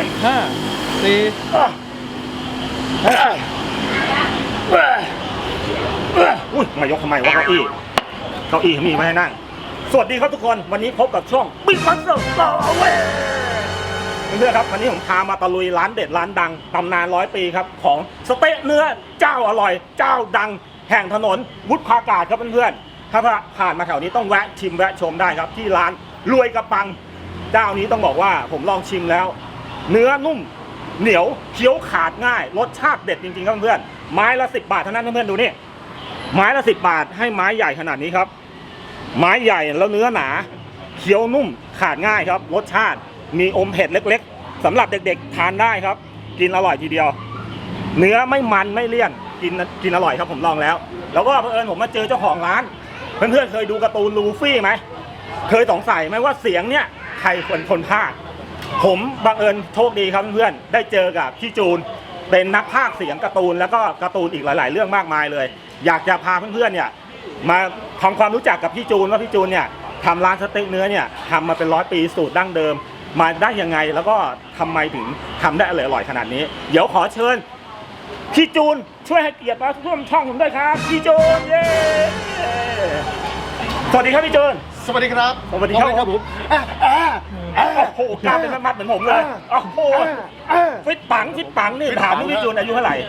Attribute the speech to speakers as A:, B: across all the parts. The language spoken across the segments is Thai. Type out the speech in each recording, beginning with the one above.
A: 5 4
B: อุ้ยมายกทำไมวะเก้าอี้เขามีไว้ให้นั่งสวัสดีครับทุกคนวันนี้พบกับช่องบิ๊กบัสเตอร์เพื่อนๆครับวันนี้ผมพามาตะลุยร้านเด็ดร้านดังตำนาน100 ปีครับของสเต๊ะเนื้อเจ้าอร่อยเจ้าดังแห่งถนนวุฒิภากาศครับเพื่อนๆถ้าผ่านมาแถวนี้ต้องแวะชิมแวะชมได้ครับที่ร้านรวยกระปังเจ้านี้ต้องบอกว่าผมลองชิมแล้วเนื้อนุ่มเหนียวเคี้ยวขาดง่ายรสชาติเด็ดจริงๆครับเพื่อนๆไม้ละ10 บาทเท่านั้นเพื่อนๆดูนี่ไม้ละ10 บาทให้ไม้ใหญ่ขนาดนี้ครับไม้ใหญ่แล้วเนื้อหนาเคี้ยวนุ่มขาดง่ายครับรสชาติมีอมเผ็ดเล็กๆสำหรับเด็กๆทานได้ครับกินอร่อยทีเดียวเนื้อไม่มันไม่เลี่ยนกินอร่อยครับผมลองแล้วแล้วก็เผอิญผมมาเจอเจ้าของร้านเพื่อนๆเคยดูการ์ตูนลูฟี่ไหมเคยสงสัยไหมว่าเสียงเนี่ยใครคนพากย์ผมบังเอิญโชคดีครับเพื่อนๆได้เจอกับพี่จูนเป็นนักพากย์เสียงการ์ตูนแล้วก็การ์ตูนอีกหลายๆเรื่องมากมายเลยอยากจะพาเพื่อนๆเนี่ยมาทำความรู้จักกับพี่จูนว่าพี่จูนเนี่ยทำร้านสเต็กเนื้อเนี่ยทำมาเป็น100 ปีสูตรดั้งเดิมมาได้ยังไงแล้วก็ทำไมถึงทำได้อร่อยขนาดนี้เดี๋ยวขอเชิญพี่จูนช่วยให้เกียรติมาร่วมช่องผมด้วยครับพี่จูนเย้สวัสดีครับพี่จูน
A: สวัสดีครับ
B: สวัสดีครับผมโอ้โหกล้ามเป็นมัดเหมือนผมเลยโอ้โหฟิตปังนี่ถามพี่จูนอายุเท่าไหร่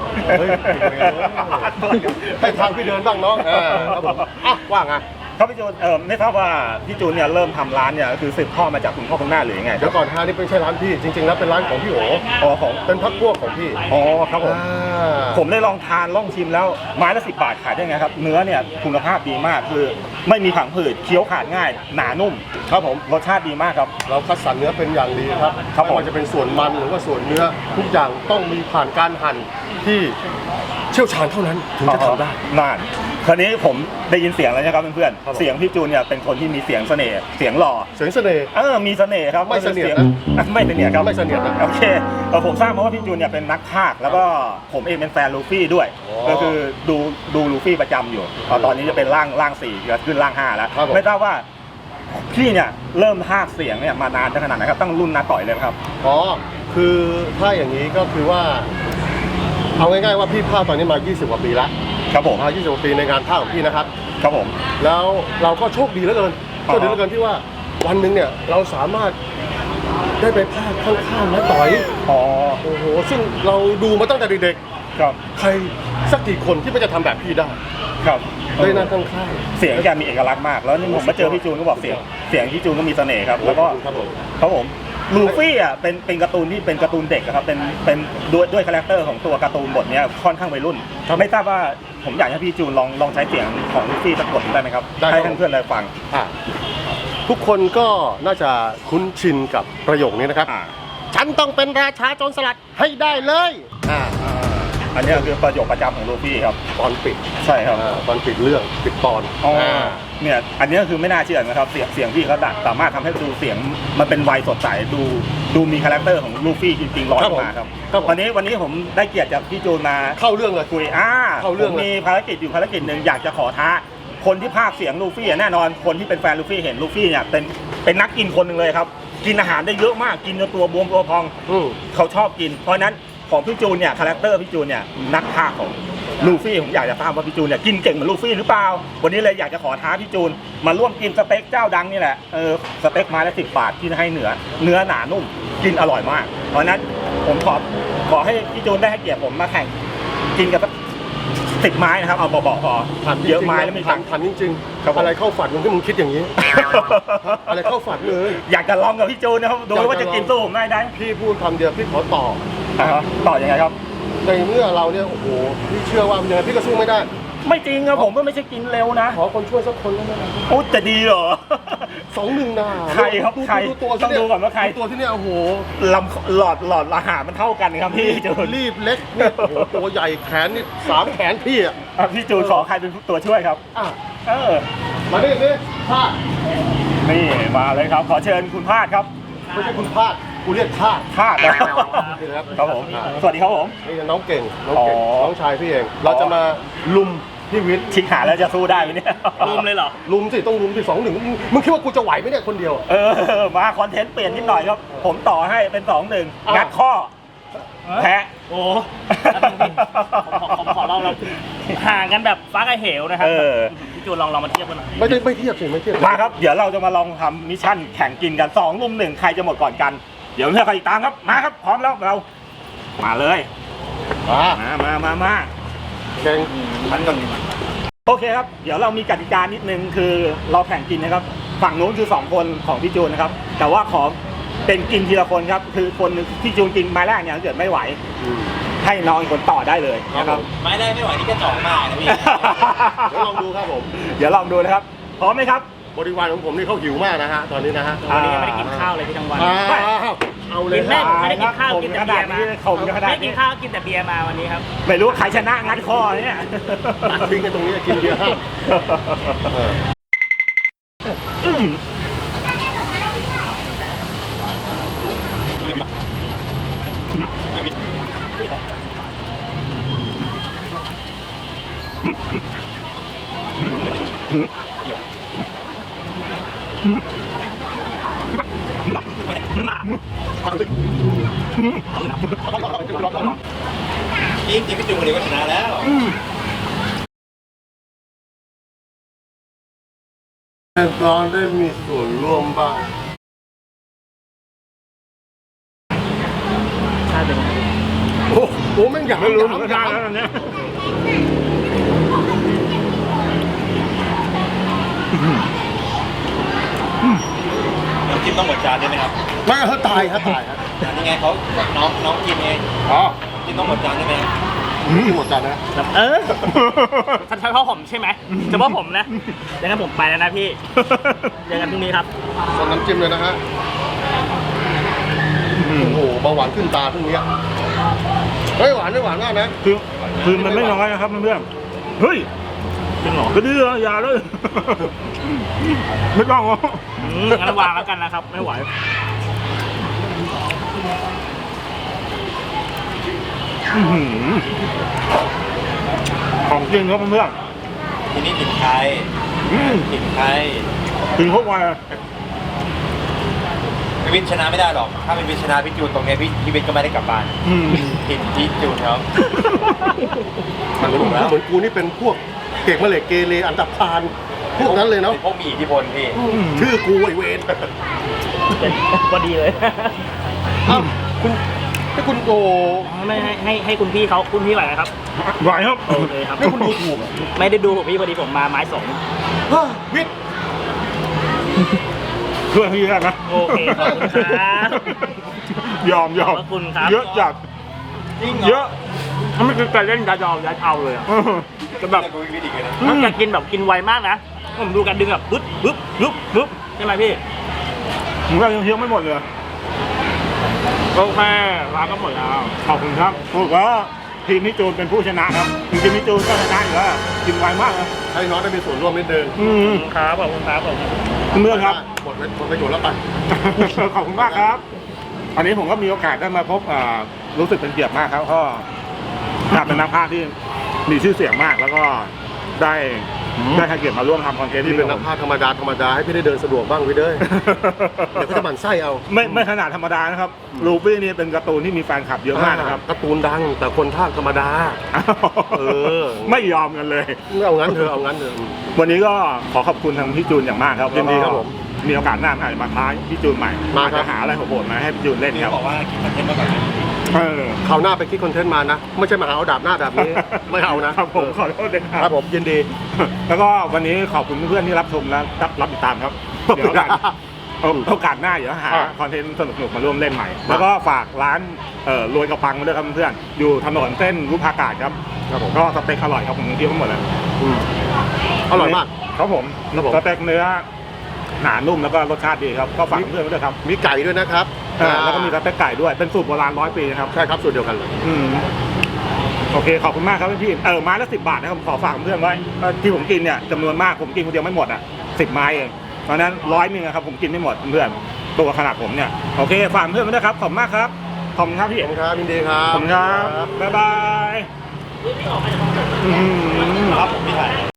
A: ให้ทางพี่เดินบ้างน้องครับผมว่าไง
B: ครับพี่จูนไม่ทราบว่าพี่จูนเนี่ยเริ่มทำร้านเนี่ยคือสืบทอดมาจากคุณพ่อคุณแม่หรือยังไง
A: เดี๋ยวก่อนนี่ไม่ใช่ร้านพี่จริงๆแล้วเป็นร้านของพี่โอ๋ของเป็นพักพวกของพี่
B: ครับผมได้ลองทานลองชิมแล้วไม้ละ10 บาทขายได้ไงครับเนื้อเนี่ยคุณภาพดีมากคือไม่มีผังผืดเคี้ยวขาดง่ายหนานุ่ม
A: ครับผม
B: รสชาติดีมากครับ
A: เราคัดสรรเนื้อเป็นอย่างดีครับไม่ว่าจะเป็นส่วนมันหรือว่าส่วนเนื้อทุกอย่างต้องมีผ่านการหั่นที่เชี่ยวชาญเท่านั้นถึงจะทำได้
B: นานคราวนี้ผมได้ยินเสียงแล้วนะครับเพื่อนๆเสียงพี่จูนเนี่ยเป็นคนที่มีเสียงเสน่ห์เสียงหล่อ
A: เสียงเสน่ห์
B: มีเสน่ห์ครับ
A: ไม่เสน่ห์
B: ไม่เสน่ห์ครับ
A: ไม่เสน่ห์
B: โอเคผมทราบมาว่าพี่จูนเนี่ยเป็นนักพากย์แล้วก็ผมเองเป็นแฟนลูฟี่ด้วยก็คือดูลูฟี่ประจำอยู่ตอนนี้จะเป็นร่าง4จะขึ้นร่าง5แล้วไม่ทราบว่าพี่เนี่ยเริ่มพากย์เสียงเนี่ยมานานขนาดไหนครับตั้งรุ่นน้าต่อยเลยครับ
A: คือถ้าอย่างนี้ก็คือว่าเอาง่ายๆว่าพี่พากย์ตอนนี้มา20 กว่าปีแล้ว
B: ครับผม
A: 20 กว่าปีในงานพากย์ของพี่นะครับ
B: ครับผม
A: แล้วเราก็โชคดีเหลือเกินที่ว่าวันหนึ่งเนี่ยเราสามารถได้ไปพากย์ข้างๆน้าต่อยโอ้โหซึ่งเราดูมาตั้งแต่เด็ก
B: ๆครับ
A: ใครสักกี่คนที่ไม่จะทำแบบพี่ได้
B: ครับ
A: ได้นั่งข้าง
B: ๆเสียงแกมีเอกลักษณ์มากแล้วนี่ผมมาเจอพี่จูนก็บอกเสียงพี่จูนก็มีเสน่ห์ครับแล้วก็ครับผมลูฟี่อ่ะเป็นการ์ตูนที่เป็นการ์ตูนเด็กครับเป็นด้วยคาแรคเตอร์ของตัวการ์ตูนบทเนี้ยค่อนข้างวัยรุ่นไม่ทราบว่าผมอยากให้พี่จูนลองใช้เสียงของลูฟี่สักบทได้ไหมครับให้เพื่อนๆได้ฟัง
A: ทุกคนก็น่าจะคุ้นชินกับประโยคนี้นะครับฉันต้องเป็นราชาโจรสลัดให้ได้เลย
B: อันนี้คือประโยคประจำของลูฟี่ครับ
A: ตอนปิด
B: ใช่ครับ
A: ตอนปิดเรื่องปิดตอน
B: เนี่ยอันนี้คือไม่น่าเชื่อนะครับเสียงพี่เขาดัดสามารถทำให้ดูเสียงมันเป็นวัยสดใสดูมีคาแรคเตอร์ของลูฟี่จริงๆร้อยมาครับวันนี้ผมได้เกียรติจากพี่จูนมา
A: เข้าเรื่องเลย
B: คุยเข้าเรื่องมีภารกิจอยู่ภารกิจหนึ่งอยากจะขอท้าคนที่พากย์เสียงลูฟี่แน่นอนคนที่เป็นแฟนลูฟี่เห็นลูฟี่เนี่ยเป็นนักกินคนหนึ่งเลยครับกินอาหารได้เยอะมากกินจนตัวบวมตัวพองเขาชอบกินเพราะนั้นของพี่จูนเนี่ยคาแรคเตอร์พี่จูนเนี่ยนักพากย์ของลูฟี่ผมอยากจะทราบว่าพี่จูนเนี่ยกินเก่งเหมือนลูฟี่หรือเปล่าวันนี้เลยอยากจะขอท้าพี่จูนมาร่วมกินสเต็กเจ้าดังนี่แหละสเต็กไม้ละ10 บาทที่ให้เนื้อหนานุ่มกินอร่อยมากเพราะนั้นผมขอให้พี่จูนได้ให้เกียรติผมมาแข่งกินกับ10 ไม้นะครับเอาบอกพอเยอะไม้แล้วไม่
A: ทันจริงๆอะไรเข้าฝันมึงที่มึงคิดอย่างนี้อะไรเข้าฝันเลย
B: อยากจะลองกับพี่จูนนะครับดูว่าจะกินสู้ผมได้
A: พี่พูดคำเดียวพี่ขอต่
B: อยังไงครับ
A: ในเมื่อเราเนี่ยโอ้โหพี่เชื่อว่าเนี่ยพี่ก็สู้ไม่ได้
B: ไม่จริงครับผมก็ไม่ใช่กินเร็วนะ
A: ขอคนช่วยสักคนได้ไหม
B: โอ้จะดีเหรอ
A: 2-1นะ
B: ใครครับใครต้องดูก่อนว่าใคร
A: ตัวที่เนี่ยโอ้โห
B: ลำหลอดอาหารมันเท่ากันครับพี่จูน
A: รีบเล็กเนี่ยโอ้โหตัวใหญ่แขนนี่3 แขนพี่อ่ะ
B: พี่จูนขอใครเป็นตัวช่วยครับ
A: มาดิพาด
B: นี่มาเลยครับขอเชิญคุณพาดครับ
A: ไม่ใช่คุณพาดกูเรียกพาด
B: ครับผมสวัสดีครับผม
A: นี่น้องเก่งน้องชายพี่เองเราจะมาลุมพี่วิทย์
B: ชิงหาแล้วจะสู้ได้ไหมเนี่ย
C: รุมเลยเหรอ
A: ลุมสิต้องลุมสิ2-1มึงคิดว่ากูจะไหวไหมเนี่ยคนเดียว
B: มาคอนเทนต์เปลี่ยนนิดหน่อยครับ ผมต่อให้เป็น 2-1 งัดข้อ แพ้
C: โอ้ผมขอลองเราห่างกันแบบฟ้ากับเหวนะครับพี่จูนลองมาเทียบกันหน่อย
A: ไม่เทียบสิไม่เทียบ
B: มาครับ เดี๋ยวเราจะมาลองทำมิชชั่นแข่งกินกัน2 รุม 1 ใครจะหมดก่อนกัน เดี๋ยวเพื่อนใครติดตามครับ มาครับ พร้อมแล้วเรา มาเลย มา
A: แข่ง
B: โอเคครับ เดี๋ยวเรามีกติกานิดนึงคือเราแข่งกินนะครับ ฝั่งนู้นคือ2 คนของพี่จูนนะครับ แต่ว่าขอเป็นกินทีละคนครับ คือคนหนึ่งพี่จูนกินไม้แรกเนี่ยถ้าเกิดไม่ไหว ให้น้องอีกคนต่อได้เลยนะครับ
D: ไม่ได้ไม่ไหวนี่ก็จ่องมากนะพี่
A: เดี๋ยวลองดูครับผม
B: เดี๋ยวลองดูนะครับ พร้อมไหมครับ
A: บริวารของผมนี่เขาหิวมากนะฮะตอนนี้นะฮะ
C: วันนี้ยังไม่ได้กินข้าวเลยพี่ทั้งวัน
A: เอาเลย
C: กินแม่ผมไม่ได้กินข้าวกินแต่เบียร์มา
B: ข่มขนาด
C: ไม่กิ
B: นี้
C: นข้าวกินแต่เบียร์มาวันนี้ครับ
B: ไม่รู้ใครชนะงัดข้อเนี่ย
A: ตัดทิ้งกันตรงนี้กินเบียร์ห้าม
D: จริงพี่จูนคนนี้ก็ชนะแล้ว
A: ตอนได้มีส่วนร่วมบ้าง
C: ชาติเป็นไง
A: โอ้โหแม่งอยาก
B: ไม่รู้
A: อยาก
B: ไม่ได้แล้วเนี่ย
D: น้ำจิ้มต้องหมดจานใช่ไหมครับ
A: ไม่เขาตายครับตายครับ
D: อันนี้ไงเขาน้องกินเอง
A: อ๋อ
D: กินต้องหมดจานใช่ไหมครับ
A: กินหมดจานนะ
C: เฉพาะผมใช่ไหมเฉพาะผมนะดังนั้นผมไปแล้วนะพี่เจอกันพรุ่งนี้ครับ
A: ส่วนน้ำจิ้มเลยนะฮะโอ้โหเบาหวานขึ้นตาพรุ่งนี้เฮ้ยหวานไม่หวานมากนะ
B: คือมันไม่น้อยนะครับเพื่อนเฮ้ย
C: จริงเหรอ
B: ก็ดื้ออย่าเลย ไม่ต้องหรอก
C: งั้นวางแล้วกันนะครับ ไม่ไหว
B: ของจริงครับเพื่อน
D: ทีนี้ถิ่นไทย
B: ๆ
D: ถิ่นไทย
B: ถึงพวกวัน
D: พี่วิทย์ชนะไม่ได้หรอก ถ้าเป็นวิทย์ชนะพี่จูนตรงเนี้ยพี่วิทย์ก็ไม่ได้กลับบ้านถิ่นพี่จูนเขา
A: มันถูกแล้วเหมือนกูนี่เป็นพวกเก่งมาเหล็กเกเรอันดับพานพวกนั้นเลยเนาะ
D: พวกมีอิทธิพลพี่
A: ชื่อกูไอเวน
C: พอดีเลย
A: อ้าวคุณให้คุณโก
C: ไม่ให้คุณพี่เขาคุณพี่ไหวไหมครับ
B: ไหวครับ
C: โอเคครับ
A: ให้คุณดูถูกอะ
C: ไม่ได้ดูผมพี่พอดีผมมาไม้สอง
A: เฮ้ยวิทย์
B: เพื่อนพี่แล้วนะ
C: โอเคขอบคุณครับ
B: ยอม
C: ขอบพระคุณครับ
B: เยอะจัด
D: จริง
B: เย
D: เหรอ
B: อะ
C: ถ้าไม่คือการเล่นยาวๆเอาเลยอะจะแบบ
D: แต่กูพี่วิทย์อีกเลยนะ
C: ถ้าจะกินแบบกินไวมากนะ ผมดูการดึงแบบปึ๊บปึ๊บปึ๊บปึ๊บใช่ไหมพี่
B: ผมก็ยังเที่ยวไม่หมดเลย
C: โอเคร้านก็หมดแล้ว
B: ขอบคุณครับถูกว่าทีมนิจูนเป็นผู้ชนะครับจริงๆนิจูนก็ชนะอยู่แล้วกินไวมากนะ
A: ให้น้องได้มีส่วนร่วมนิดนึง
C: ขอบคุณครับขอบคุณครับผม
B: เมื่อนครับ
A: หมดประโยชน์แล้วไป
B: ขอบคุณมากครับ อันนี้ผมก็มีโอกาสได้มาพบรู้สึกเป็นเกียรติมากครับก็เป็นนักพากย์ที่มีชื่อเสียงมาก แล้วก็ได้ให้เกียรติมาร่วมทำคอนเทนต์
A: ที่
B: ที่
A: เป็นนักพากย์ธรรมดาให้พี่ได้เดินสะดวกบ้างวิทย์เด้ยเดี๋ยวเขาจะหมั่นไส้เอา
B: ไม่ขนาดธรรมดานะครับลูฟี่นี่เป็นการ์ตูนที่มีแฟนคลับเยอะมากนะครับ
A: การ์ตูนดังแต่คนพากย์ธรรมดา เออ
B: ไม่ยอมกันเลย
A: เอางั้นเถอะเอางั้นเถอะ
B: วันนี้ก็ขอขอบคุณทางพี่จูนอย่างมากครับ
A: ยินดีครับผม
B: มีโอกาสหน้าอาจจะมาท้าพี่จูนใหม่
A: มา
B: อาจ
A: ครับ
B: จะหาอะไรโหดๆมาให้พี่จูนเล่น
D: พี่
B: ครับ
D: บอกว่าคิดคอนเทนต์มาก่อนนะ
A: คราวหน้าไปคิดคอนเทนต์มานะ ไม่ใช่มาหาเอาดาบหน้าดาบนี้ ไม่เอานะครับ
B: ผมขอโทษด้วยค
A: ค
B: รั
A: รั
B: บบ
A: ผมยินดี
B: แล้วก็วันนี้ขอบคุณเพื่อนๆที่รับชมและรับติดตามครับเดี๋ยวโอกาสหน้าเดี๋ยวหาคอนเทนต์สนุกๆมาร่วมเล่นใหม่ แล้วก็ฝากร้านรวยกระปังมาด้วยครับเพื่อนๆอยู่ถนนเส้นวุฒากาศครับ
A: ครับผม
B: ก็สเต็กอร่อยครับผมเที่ยวทั้งหมดเลย
A: อร่อยมาก
B: ครับผม
A: ครับผม
B: สเต็กเนื้อหนานุ่มแล้วก็รสชาติดีครับก็ฝากเพื่อนๆไว้ด้วยครับ
A: มีไก่ด้วยนะครับ
B: แล้วก็มีสเต็กไก่ด้วยเป็นสูตรโบราณ100 ปีนะครับ
A: ใช่ครับสูตรเดียวกันเลย
B: โอเคขอบคุณมากครับพี่ไม้ละ10 บาทนะครับผมขอฝากเพื่อนไว้ที่ผมกินเนี่ยจำนวนมากผมกินคนเดียวไม่หมด10 ไม้เองเพราะฉะนั้น100 นึงครับผมกินไม่หมดเพื่อนตัวขนาดผมเนี่ยโอเคฝากเพื่อนไว้ด้วยครับขอบคุณมากครับขอบคุณครับพี่
A: ขอบคุณครับยินดีครับ
B: ขอบคุณครับบ๊ายบายครับผมพี่ไทย